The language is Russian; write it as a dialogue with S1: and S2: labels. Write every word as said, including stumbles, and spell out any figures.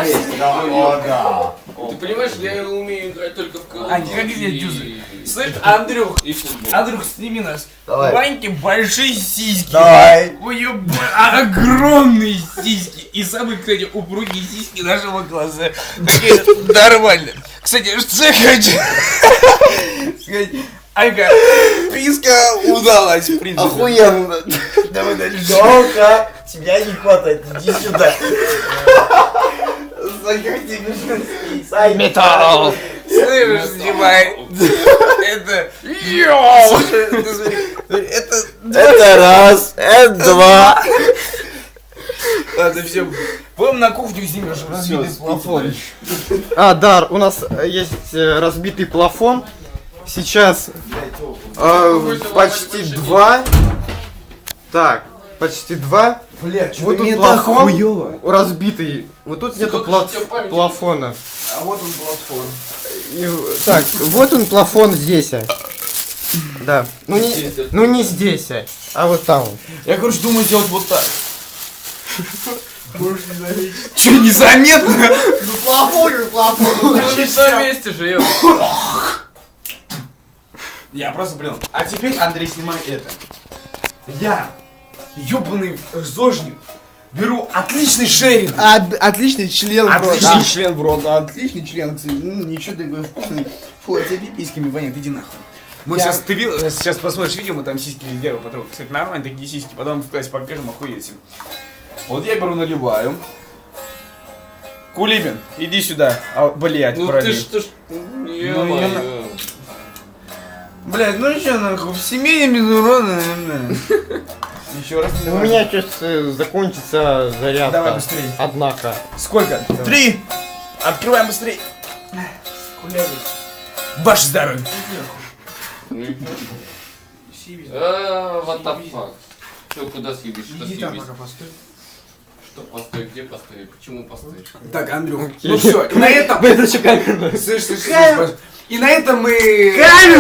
S1: есть. Да, о, да.
S2: Ты понимаешь, я умею играть только в колонки.
S3: А, не ходи здесь, Дюзы. Слышь, Андрюх, Андрюх, сними нас.
S1: Давай.
S3: У Ваньки большие сиськи.
S1: Давай.
S3: У нее б- огромные сиськи. И самые, кстати, упругие сиськи нашего класса. Такие нормально. Кстати, что я хочу сказать? Ага, писка удалась, в принципе.
S1: Охуенно.
S3: Давай дальше.
S1: Только тебя не хватает. Иди сюда. Заходи.
S3: Металл. Слышишь, снимай. Это... Йоу! Слушай, ты смотри, это...
S1: Это раз, это два.
S3: Ладно, все. Пойдем на кухню снимешь разбитый плафон.
S4: А, да, у нас э, есть э, разбитый плафон. Сейчас э, почти два. Так, почти два.
S1: Бля,
S4: Вот тут плафон разбитый. Вот тут нету
S2: Сколько
S4: пла-
S2: же у тебя памяти?
S4: плафона.
S3: А вот он плафон.
S4: И, так, вот он плафон здесь. а. Да. Ну не, ну не здесь, а, а вот там.
S3: Я, короче, думаю сделать вот так. Че, незаметно?
S1: Ну плафон же, плафон.
S2: Мы же все вместе живем.
S3: Я просто, блин. А теперь, Андрей, снимай это. Я, ёбаный зожник, беру отличный шеринг.
S4: отличный член.
S3: Отличный член в рот, отличный член, кстати, ну, ничего такой вкусный. Фу, от тебя пиписьками воняет, иди нахуй. Мы
S4: Я-
S3: сейчас, ты видел, сейчас посмотришь видео, мы там сиськи сделаем, потом, кстати, нормально такие сиськи, потом в классе покажем, охуеть. Вот я беру, наливаю. Кулибин, иди сюда, а, блядь,
S2: Ну ты
S3: пролей.
S2: что ж...
S3: Ну, я
S2: Ё-моё.
S3: Блядь, ну что, нахуй, в семье без урона, еще раз
S4: У
S3: наливаю.
S4: меня сейчас э, закончится зарядка.
S3: Давай быстрее.
S4: Однако.
S3: Сколько? Три! Открываем быстрее! Ваше здоровье!
S2: А, what the fuck? Что, куда съебись? Что
S3: Иди там
S2: съебись?
S3: пока постой.
S2: Что постой? Где постой? Почему постой?
S3: Так, Андрюх, ну все, и на этом...
S4: Выключи камеру.
S3: Слышь, слышь, слышь, и на этом мы...